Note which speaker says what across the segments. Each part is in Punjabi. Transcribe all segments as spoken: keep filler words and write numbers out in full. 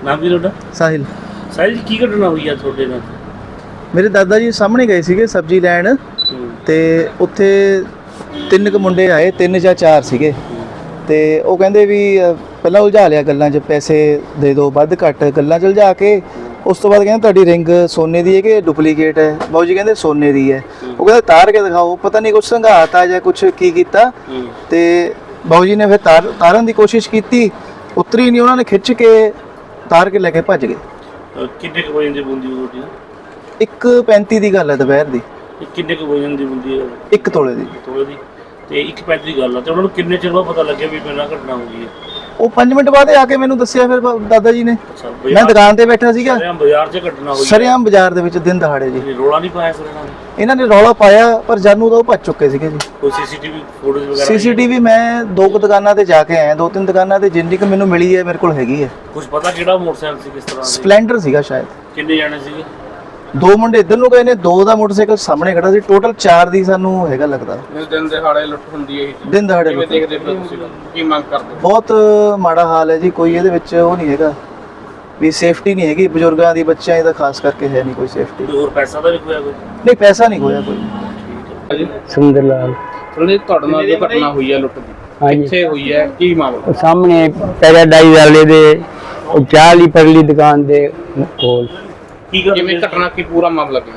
Speaker 1: नाम की ਤੁਹਾਡਾ?
Speaker 2: ਸਾਹਿਲ।
Speaker 1: ਸਾਹਿਲ ਜੀ ਕੀ ਘਟਨਾ ਹੋਈ ਆ ਤੁਹਾਡੇ ਨਾਲ?
Speaker 2: ਮੇਰੇ ਦਾਦਾ ਜੀ ਸਾਹਮਣੇ ਗਏ ਸੀਗੇ ਸਬਜ਼ੀ ਲੈਣ ਤੇ ਉੱਥੇ ਤਿੰਨ ਕੁ ਮੁੰਡੇ ਆਏ, ਤਿੰਨ ਜਾਂ ਚਾਰ ਸੀਗੇ ਤੇ ਉਹ ਕਹਿੰਦੇ ਵੀ ਪਹਿਲਾਂ ਉਲਝਾ ਲਿਆ ਗੱਲਾਂ 'ਚ, ਪੈਸੇ ਦੇ ਦਿਓ ਵੱਧ ਘੱਟ ਗੱਲਾਂ 'ਚ ਉਲਝਾ ਕੇ ਉਸ ਤੋਂ ਬਾਅਦ ਕਹਿੰਦੇ ਤੁਹਾਡੀ ਰਿੰਗ ਸੋਨੇ ਦੀ ਹੈ ਕਿ ਡੁਪਲੀਕੇਟ ਹੈ? ਬਾਊ ਜੀ ਕਹਿੰਦੇ ਸੋਨੇ ਦੀ ਹੈ। ਉਹ ਕਹਿੰਦਾ ਤਾਰ ਕੇ ਦਿਖਾਓ, ਪਤਾ ਨਹੀਂ ਕੁਛ ਸੰਘਾਤਾ ਜਾਂ ਕੁਛ ਕੀ ਕੀਤਾ ਤੇ ਬਾਊ ਜੀ ਨੇ ਫਿਰ ਤਾਰ ਤਾਰਨ ਦੀ ਕੋਸ਼ਿਸ਼ ਕੀਤੀ, ਉਤਰੀ ਨਹੀਂ, ਉਹਨਾਂ ਨੇ ਖਿੱਚ ਕੇ ਤਾਰ ਕੇ ਲੈ ਕੇ ਭੱਜ ਗਏ।
Speaker 1: ਕਿੰਨੇ ਕੁ ਵਜਨ ਦੀ ਬੁੰਦੀ ਹੋਈ?
Speaker 2: ਇੱਕ ਪੈਂਤੀ ਦੀ ਗੱਲ ਹੈ ਦੁਪਹਿਰ ਦੀ।
Speaker 1: ਕਿੰਨੇ ਕੁ ਵਜਨ ਦੀ ਬੁੰਦੀ ਹੈ? ਇੱਕ
Speaker 2: ਤੋਲੇ ਦੀ।
Speaker 1: ਤੋਲੇ ਦੀ ਤੇ ਇੱਕ ਪੈਂਤੀ ਦੀ ਗੱਲ ਆ। ਤੇ ਉਹਨਾਂ ਨੂੰ ਕਿੰਨੇ ਚਿਰ ਬਾਅਦ ਪਤਾ ਲੱਗਿਆ ਵੀ ਮੇਰੇ ਨਾਲ ਘਟਨਾ ਹੋ ਗਈ ਹੈ?
Speaker 2: ਉਹ ਪੰਜ ਮਿੰਟ ਬਾਅਦ ਆ ਕੇ ਮੈਨੂੰ ਦੱਸਿਆ ਫਿਰ ਦਾਦਾ ਜੀ ਨੇ। ਮੈਂ ਦੁਕਾਨ ਤੇ ਬੈਠਾ ਸੀਗਾ,
Speaker 1: ਸਰਿਆਮ ਬਾਜ਼ਾਰ 'ਚ ਘਟਨਾ ਹੋਈ?
Speaker 2: ਸਰਿਆਮ ਬਾਜ਼ਾਰ ਦੇ ਵਿੱਚ ਦਿਨ ਦਹਾੜੇ ਜੀ।
Speaker 1: ਰੌਲਾ ਨਹੀਂ ਪਾਇਆ ਫਿਰ ਇਹਨਾਂ ਨੇ?
Speaker 2: ਇਹਨਾਂ ਨੇ ਰੌਲਾ ਪਾਇਆ ਪਰ ਜਾਨੂ ਤਾਂ ਉਹ ਭੱਜ ਚੁੱਕੇ ਸੀਗੇ ਜੀ।
Speaker 1: ਕੋਈ ਸੀਸੀਟੀਵੀ ਫੋਟੋਜ਼ ਵਗੈਰਾ? ਸੀਸੀਟੀਵੀ
Speaker 2: ਮੈਂ ਦੋ ਕੁ ਦੁਕਾਨਾਂ ਤੇ ਜਾ ਕੇ ਆਇਆ, ਦੋ ਤਿੰਨ ਦੁਕਾਨਾਂ ਤੇ ਜਿੰਨੀ ਕੁ ਮੈਨੂੰ ਮਿਲੀ ਹੈ ਮੇਰੇ ਕੋਲ ਹੈਗੀ ਹੈ।
Speaker 1: ਕੁਝ ਪਤਾ ਕਿਹੜਾ ਮੋਟਰਸਾਈਕਲ ਸੀ, ਕਿਸ ਤਰ੍ਹਾਂ?
Speaker 2: ਸਪਲੈਂਡਰ ਸੀਗਾ ਸ਼ਾਇਦ।
Speaker 1: ਕਿੰਨੇ ਜਾਣੇ ਸੀਗੇ?
Speaker 2: ਦੋ ਮੁੰਡੇ ਇੱਧਰ ਨੂੰ ਗਏ ਨੇ, ਦੋ ਦਾ ਮੋਟਰਸਾਈਕਲ ਸਾਹਮਣੇ ਖੜਾ ਸੀ, ਟੋਟਲ ਚਾਰ ਦੀ ਸਾਨੂੰ ਹੈਗਾ ਲੱਗਦਾ।
Speaker 3: ਦਿਨ ਦਿਹਾੜੇ ਲੁੱਟ ਹੁੰਦੀ ਹੈ ਇਹ?
Speaker 2: ਦਿਨ ਦਿਹਾੜੇ ਲੁੱਟ।
Speaker 3: ਦੇਖਦੇ ਪਏ ਤੁਸੀਂ, ਕੀ ਮੰਗ ਕਰਦੇ?
Speaker 2: ਬਹੁਤ ਮਾੜਾ ਹਾਲ ਹੈ ਜੀ, ਕੋਈ ਇਹਦੇ ਵਿੱਚ ਉਹ ਨਹੀਂ ਹੈਗਾ ਵੀ ਸੇਫਟੀ ਨਹੀਂ ਹੈਗੀ ਬਜ਼ੁਰਗਾਂ ਦੀ, ਬੱਚਿਆਂ ਦੀ ਤਾਂ ਖਾਸ ਕਰਕੇ ਹੈ ਨਹੀਂ ਕੋਈ ਸੇਫਟੀ।
Speaker 1: ਹੋਰ ਪੈਸਾ ਤਾਂ ਨਹੀਂ ਖੋਇਆ ਕੋਈ?
Speaker 2: ਨਹੀਂ, ਪੈਸਾ ਨਹੀਂ ਖੋਇਆ ਕੋਈ।
Speaker 4: ਸੁੰਦਰ ਲਾਲ।
Speaker 3: ਸੁਣਦੇ ਤੁਹਾਡੇ ਨਾਲ ਜੋ ਘਟਨਾ ਹੋਈ ਹੈ ਲੁੱਟ ਦੀ, ਕਿੱਥੇ ਹੋਈ ਹੈ, ਕੀ ਮਾਮਲਾ?
Speaker 4: ਸਾਹਮਣੇ ਪੈਰਾਡਾਈਜ਼ ਵਾਲੇ ਦੇ ਉਹ ਚਾਹ ਲਈ ਪਰਲੀ ਦੁਕਾਨ ਦੇ ਕੋਲ।
Speaker 3: ਕਿਵੇਂ ਘਟਨਾ, ਕੀ ਪੂਰਾ ਮਾਮਲਾ ਕਿਵੇਂ?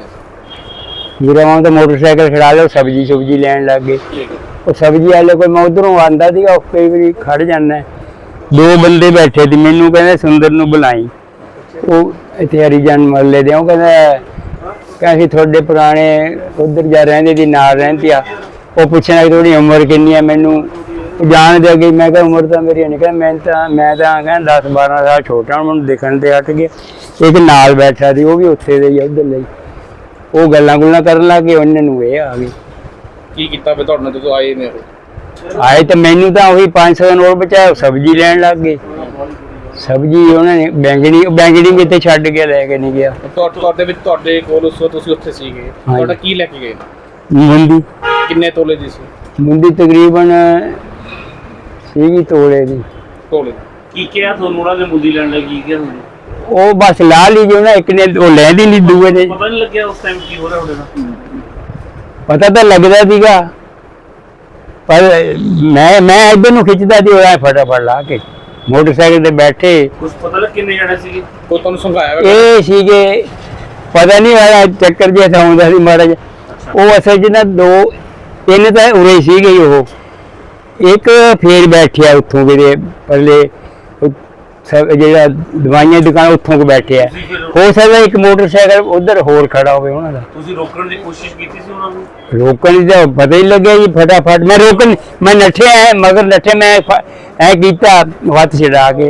Speaker 4: ਮੇਰਾ ਮਾਂ ਤਾਂ ਮੋਟਰਸਾਈਕਲ ਖੜਾ ਲਿਆ, ਸਬਜ਼ੀ ਸੁਬਜੀ ਲੈਣ ਲੱਗ ਗਏ। ਉਹ ਸਬਜ਼ੀ ਵਾਲੇ ਕੋਈ ਮੈਂ ਉਧਰੋਂ ਆਂਦਾ ਸੀਗਾ, ਉਹ ਕਈ ਵਾਰੀ ਖੜ ਜਾਂਦਾ, ਦੋ ਬੰਦੇ ਬੈਠੇ ਸੀ, ਮੈਨੂੰ ਕਹਿੰਦੇ ਸੁੰਦਰ ਨੂੰ ਬੁਲਾਈ। ਉਹ ਇੱਥੇ ਹਰੀਜਨ ਮਹੱਲੇ ਦੇ, ਉਹ ਕਹਿੰਦਾ ਕਹਿੰਦੇ ਤੁਹਾਡੇ ਪੁਰਾਣੇ ਉਧਰ ਜਾ ਰਹਿੰਦੇ ਦੀ ਨਾਲ ਰਹਿੰਦੀ ਆ। ਉਹ ਪੁੱਛਣਾ ਕਿ ਤੁਹਾਡੀ ਉਮਰ ਕਿੰਨੀ ਹੈ, ਮੈਨੂੰ ਜਾਣ ਦੇ ਗਈ। ਮੈਂ ਕਿਹਾ ਉਮਰ ਤਾਂ ਮੇਰੀ ਨਹੀਂ, ਕਹਿੰਦਾ ਮੈਂ ਤਾਂ ਮੈਂ ਤਾਂ ਕਹਿੰਦਾ ਦਸ ਬਾਰਾਂ ਸਾਲ ਛੋਟਾ, ਮੈਨੂੰ ਦੇਖਣ ਤੇ ਹਟ ਗਿਆ। ਇੱਕ ਨਾਲ ਬੈਠਾ ਸੀ, ਉਹ ਵੀ ਉੱਥੇ ਦੇ ਹੀ ਉੱਧਰ ਲਈ, ਉਹ ਗੱਲਾਂ ਗੁੱਲਾਂ ਕਰਨ ਲੱਗ ਗਏ, ਉਹਨਾਂ ਨੂੰ ਇਹ ਆ ਗਈ।
Speaker 3: ਕੀ ਕੀਤਾ ਫਿਰ ਤੁਹਾਡੇ ਨਾਲ ਜਦੋਂ ਆਏ ਨੇ?
Speaker 4: ਆਏ ਤਾਂ ਮੈਨੂੰ ਤਾਂ ਉਹੀ ਪੰਜ ਸੌ ਦਾ ਨੋਟ ਬਚਾਇਆ, ਸਬਜ਼ੀ ਲੈਣ ਲੱਗ ਗਏ। ਸਬਜ਼ੀ ਉਹਨਾਂ ਨੇ ਬੈਂਗਣੀ ਬੈਂਗਣੀ ਵੀ ਇੱਥੇ ਛੱਡ ਕੇ ਲੈ ਕੇ ਨਹੀਂ ਗਿਆ।
Speaker 3: ਤੁਹਾਡੇ ਵਿੱਚ ਤੁਹਾਡੇ ਕੋਲ ਉਸ ਵਕਤ ਤੁਸੀਂ ਉੱਥੇ ਸੀਗੇ, ਤੁਹਾਡਾ ਕੀ ਲੈ ਕੇ ਗਏ?
Speaker 4: ਮੁੰਡੀ।
Speaker 3: ਕਿੰਨੇ ਤੋਲੇ ਦੀ ਸੀ
Speaker 4: ਮੁੰਡੀ? ਤਕਰੀਬਨ ਸੀਗੀ ਤੋਲੇ ਦੀ।
Speaker 3: ਤੋਲੇ
Speaker 1: ਕੀ ਕਿਹਾ ਤੁਹਾਨੂੰ ਉਹਨਾਂ ਨੇ ਮੁੰਡੀ ਲੈਣ ਲਈ? ਕੀ ਕਿਹਾ ਤੁਹਾਨੂੰ?
Speaker 4: ਉਹ ਬਸ ਲਾ ਲਈ ਜੀ ਉਹਨਾਂ, ਇੱਕ ਨੇ ਉਹ ਲੈਂਦੀ ਨਹੀਂ, ਦੂਏ ਨੇ।
Speaker 1: ਪਤਾ ਨਹੀਂ ਲੱਗਿਆ ਉਸ ਟਾਈਮ ਕੀ ਹੋ ਰਿਹਾ ਤੁਹਾਡੇ ਨਾਲ?
Speaker 4: ਪਤਾ ਤਾਂ ਲੱਗਦਾ ਸੀਗਾ ਪਰ ਮੈਂ ਮੈਂ ਇੱਧਰ ਨੂੰ ਖਿੱਚਦਾ ਸੀ, ਉਹ ਫਟਾਫਟ ਲਾ ਕੇ ਮੋਟਰਸਾਈਕਲ ਤੇ ਬੈਠੇ।
Speaker 1: ਕੁਝ ਪਤਾ ਲੱਗ ਕਿੰਨੇ ਜਾਣੇ ਸੀਗੇ?
Speaker 3: ਉਹ ਤੁਹਾਨੂੰ ਸਮਝਾਇਆ?
Speaker 4: ਇਹ ਸੀਗੇ ਪਤਾ ਨਹੀਂ ਹੋਇਆ, ਚੱਕਰ ਜਿਹਾ ਆਉਂਦਾ ਸੀ ਮਾੜਾ ਜਿਹਾ। ਉਹ ਅਸਲ 'ਚ ਨਾ ਦੋ ਤਿੰਨ ਤਾਂ ਉਰੇ ਸੀਗੇ, ਉਹ ਇੱਕ ਫੇਰ ਬੈਠਿਆ ਉੱਥੋਂ ਵੀਰੇ ਪਰਲੇ ਜਿਹੜਾ ਦਵਾਈਆਂ ਦੀ ਦੁਕਾਨ ਉੱਥੋਂ ਕੋ ਬੈਠਿਆ। ਹੋ ਸਕਦਾ ਇੱਕ ਮੋਟਰਸਾਈਕਲ ਉਧਰ ਹੋਰ ਖੜਾ ਹੋਵੇ ਉਹਨਾਂ ਦਾ।
Speaker 1: ਤੁਸੀਂ ਰੋਕਣ ਦੀ ਕੋਸ਼ਿਸ਼ ਕੀਤੀ ਸੀ ਉਹਨਾਂ ਨੂੰ?
Speaker 4: ਰੋਕਣ ਦੀ ਤਾਂ ਪਤਾ ਹੀ ਲੱਗਿਆ ਜੀ, ਫਟਾਫਟ ਮੈਂ ਰੋਕਣ ਮੈਂ ਨੱਠਿਆ ਮਗਰ ਨੱਠੇ, ਮੈਂ ਐ ਕੀਤਾ ਹੱਥ ਛਡਾ ਕੇ।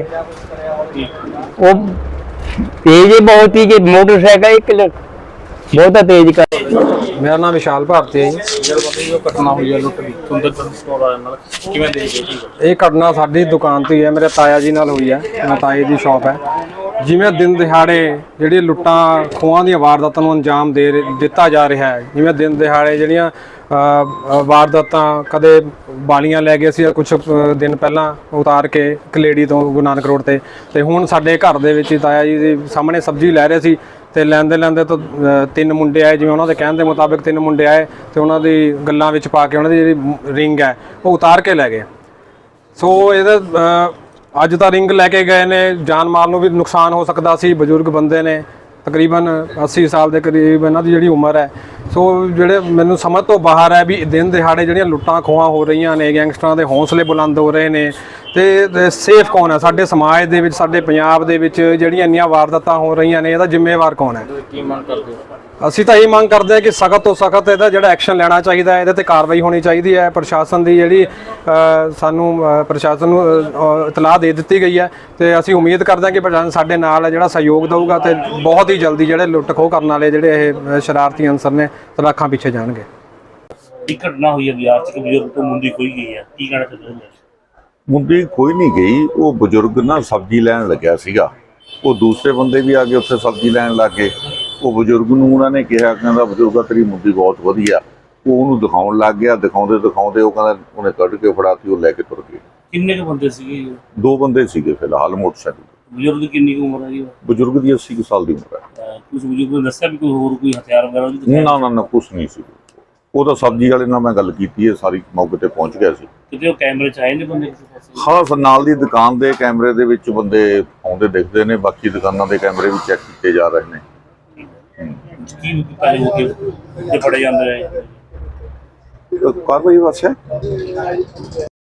Speaker 4: ਉਹ ਤੇਜ਼ ਬਹੁਤ ਹੀ ਕਿ ਮੋਟਰਸਾਈਕਲ ਇੱਕ ਬਹੁਤਾ ਤੇਜ਼ ਕਰ।
Speaker 5: ਮੇਰਾ ਨਾਮ ਵਿਸ਼ਾਲ ਭਾਰਤੀ ਹੈ ਜੀ।
Speaker 3: ਜੋ ਘਟਨਾ ਹੋਈ ਹੈ ਲੁੱਟ ਦੀ, ਸੁੰਦਰ ਸਟੋਰ ਵਾਲਿਆਂ ਨਾਲ, ਕਿਵੇਂ ਦੇਖਦੇ?
Speaker 5: ਇਹ ਘਟਨਾ ਸਾਡੀ ਦੁਕਾਨ ਤੋਂ ਹੀ ਹੈ, ਮੇਰੇ ਤਾਇਆ ਜੀ ਨਾਲ ਹੋਈ ਹੈ। ਮੇਰਾ ਤਾਏ ਦੀ ਸ਼ਾਪ ਹੈ। ਜਿਵੇਂ ਦਿਨ ਦਿਹਾੜੇ ਜਿਹੜੀ ਲੁੱਟਾਂ ਖੋਹਾਂ ਦੀਆਂ ਵਾਰਦਾਤਾਂ ਨੂੰ ਅੰਜਾਮ ਦੇ ਦਿੱਤਾ ਜਾ ਰਿਹਾ ਹੈ, ਜਿਵੇਂ ਦਿਨ ਦਿਹਾੜੇ ਜਿਹੜੀਆਂ ਵਾਰਦਾਤਾਂ ਕਦੇ ਬਾਲੀਆਂ ਲੈ ਗਏ ਸੀ ਕੁਛ ਦਿਨ ਪਹਿਲਾਂ ਉਤਾਰ ਕੇ ਇੱਕ ਲੇਡੀ ਤੋਂ ਗੁਰੂ ਨਾਨਕ ਰੋਡ ਤੇ ਤੇ ਹੁਣ ਸਾਡੇ ਘਰ ਦੇ ਵਿੱਚ ਤਾਇਆ ਜੀ ਦੇ ਸਾਹਮਣੇ ਸਬਜ਼ੀ ਲੈ ਰਹੇ ਸੀ ਤੇ ਲੈਂਦੇ ਲੈਂਦੇ ਤੋਂ ਤਿੰਨ ਮੁੰਡੇ ਆਏ, ਜਿਵੇਂ ਉਹਨਾਂ ਦੇ ਕਹਿਣ ਦੇ ਮੁਤਾਬਿਕ ਤਿੰਨ ਮੁੰਡੇ ਆਏ ਤੇ ਉਹਨਾਂ ਦੀ ਗੱਲਾਂ ਵਿੱਚ ਪਾ ਕੇ ਉਹਨਾਂ ਦੀ ਜਿਹੜੀ ਰਿੰਗ ਹੈ ਉਹ ਉਤਾਰ ਕੇ ਲੈ ਗਏ। ਸੋ ਇਹਦੇ ਅੱਜ ਤਾਂ ਰਿੰਗ ਲੈ ਕੇ ਗਏ ਨੇ, ਜਾਨ ਮਾਲ ਨੂੰ ਵੀ ਨੁਕਸਾਨ ਹੋ ਸਕਦਾ ਸੀ। ਬਜ਼ੁਰਗ ਬੰਦੇ ਨੇ, ਤਕਰੀਬਨ ਅੱਸੀ ਸਾਲ ਦੇ ਕਰੀਬ ਇਹਨਾਂ ਦੀ ਜਿਹੜੀ ਉਮਰ ਹੈ। ਸੋ ਜਿਹੜੇ ਮੈਨੂੰ ਸਮਝ ਤੋਂ ਬਾਹਰ ਹੈ ਵੀ ਦਿਨ ਦਿਹਾੜੇ ਜਿਹੜੀਆਂ ਲੁੱਟਾਂ ਖੋਹਾਂ ਹੋ ਰਹੀਆਂ ਨੇ, ਗੈਂਗਸਟਰਾਂ ਦੇ ਹੌਸਲੇ ਬੁਲੰਦ ਹੋ ਰਹੇ ਨੇ ਤੇ ਸੇਫ ਕੌਣ ਹੈ ਸਾਡੇ ਸਮਾਜ ਦੇ ਵਿੱਚ, ਸਾਡੇ ਪੰਜਾਬ ਦੇ ਵਿੱਚ ਜਿਹੜੀਆਂ ਇੰਨੀਆਂ ਵਾਰਦਾਤਾਂ ਹੋ ਰਹੀਆਂ ਨੇ, ਇਹਦਾ ਜ਼ਿੰਮੇਵਾਰ ਕੌਣ ਹੈ?
Speaker 3: ਕੀ ਮੰਗ ਕਰਦੇ ਹੋ?
Speaker 5: ਅਸੀਂ ਤਾਂ ਇਹ ਮੰਗ ਕਰਦੇ ਹਾਂ ਕਿ ਸਖਤ ਤੋਂ ਸਖਤ ਇਹਦਾ ਜਿਹੜਾ ਐਕਸ਼ਨ ਲੈਣਾ ਚਾਹੀਦਾ ਹੈ, ਇਹਦੇ ਤੇ ਕਾਰਵਾਈ ਹੋਣੀ ਚਾਹੀਦੀ ਹੈ। ਪ੍ਰਸ਼ਾਸਨ ਦੀ ਜਿਹੜੀ ਸਾਨੂੰ ਪ੍ਰਸ਼ਾਸਨ ਨੂੰ ਇਤਲਾਹ ਦੇ ਦਿੱਤੀ ਗਈ ਹੈ ਤੇ ਅਸੀਂ ਉਮੀਦ ਕਰਦੇ ਹਾਂ ਕਿ ਪ੍ਰਸ਼ਾਸਨ ਸਾਡੇ ਨਾਲ ਜਿਹੜਾ ਸਹਿਯੋਗ ਦੇਊਗਾ ਤੇ ਬਹੁਤ ਹੀ ਜਲਦੀ ਜਿਹੜੇ ਲੁੱਟ ਖੋਹ ਕਰਨ ਵਾਲੇ ਜਿਹੜੇ ਇਹ ਸ਼ਰਾਰਤੀ ਅਨਸਰ ਨੇ ਤਲਾਖਾਂ ਪਿੱਛੇ ਜਾਣਗੇ।
Speaker 1: ਇੱਕ ਘਟਨਾ ਹੋਈ ਹੈ ਬਿਹਾਰ 'ਚ, ਬਜ਼ੁਰਗ ਤੋਂ ਮੁੰਡੀ ਖੋਈ ਗਈ ਹੈ, ਕੀ ਕਹਿਣਾ ਚਾਹੁੰਦੇ ਹੋ?
Speaker 6: ਮੁੰਡੀ ਖੋਈ ਨਹੀਂ ਗਈ, ਉਹ ਬਜ਼ੁਰਗ ਨਾ ਸਬਜ਼ੀ ਲੈਣ ਲੱਗਿਆ ਸੀਗਾ। ਉਹ ਦੂਸਰੇ ਬੰਦੇ ਵੀ ਆ ਕੇ ਉੱਥੇ ਸਬਜ਼ੀ ਲੈਣ ਲੱਗ ਗਏ। ਉਹ ਬਜ਼ੁਰਗ ਨੂੰ ਉਹਨਾਂ ਨੇ ਕਿਹਾ, ਕਹਿੰਦਾ ਬਜ਼ੁਰਗਾ ਤੇਰੀ ਮੁੰਡੀ ਬਹੁਤ ਵਧੀਆ। ਉਹ ਉਹਨੂੰ ਦਿਖਾਉਣ ਲੱਗ ਗਿਆ, ਦਿਖਾਉਂਦੇ ਦਿਖਾਉਂਦੇ ਉਹ ਕਹਿੰਦਾ ਉਹਨੇ ਕੱਢ ਕੇ ਫੜਾਤੀ, ਉਹ ਲੈ ਕੇ ਤੁਰ ਗਏ।
Speaker 1: ਕਿੰਨੇ ਕੁ ਬੰਦੇ ਸੀਗੇ?
Speaker 6: ਦੋ ਬੰਦੇ ਸੀਗੇ ਫਿਲਹਾਲ ਮੋਟਰਸਾਈਕਲ।
Speaker 1: ਬਜ਼ੁਰਗ ਦੀ ਕਿੰਨੀ ਕੁ ਉਮਰ ਹੈ ਜੀ?
Speaker 6: ਬਜ਼ੁਰਗ ਦੀ ਅੱਸੀ ਕੁ ਸਾਲ ਦੀ ਉਮਰ ਹੈ।
Speaker 1: ਕੁਝ ਬਜ਼ੁਰਗ ਨੇ ਦੱਸਿਆ ਵੀ ਕੋਈ ਹੋਰ ਕੋਈ ਹਥਿਆਰ ਵਗੈਰਾ ਉਹਦੀ ਦੁਕਾਨ-
Speaker 6: ਨਾ ਨਾ ਨਾ ਕੁਛ ਨਹੀਂ ਸੀ। ਉਹ ਤਾਂ ਸਬਜ਼ੀ ਵਾਲੇ ਨਾਲ ਮੈਂ ਗੱਲ ਕੀਤੀ ਹੈ, ਸਾਰੀ ਮੌਕੇ ਤੇ ਪਹੁੰਚ ਗਿਆ ਸੀ।
Speaker 1: ਕਿਤੇ ਉਹ ਕੈਮਰੇ 'ਚ ਆਏ ਨੇ ਬੰਦੇ ਕਿਸੇ ਪਾਸੇ?
Speaker 6: ਹਾਂ ਫਿਰ ਨਾਲ ਦੀ ਦੁਕਾਨ ਦੇ ਕੈਮਰੇ ਦੇ ਵਿੱਚ ਬੰਦੇ ਆਉਂਦੇ ਦਿਖਦੇ ਨੇ, ਬਾਕੀ ਦੁਕਾਨਾਂ ਦੇ ਕੈਮਰੇ ਵੀ ਚੈੱਕ ਕੀਤੇ ਜਾ ਰਹੇ ਨੇ।
Speaker 1: ਕੀ ਕੀਤਾ ਜਾਊਗਾ ਜੇ ਫੜੇ ਜਾਂਦੇ ਰਹੇ?
Speaker 6: ਕਾਰਵਾਈ ਬਸ ਹੈ।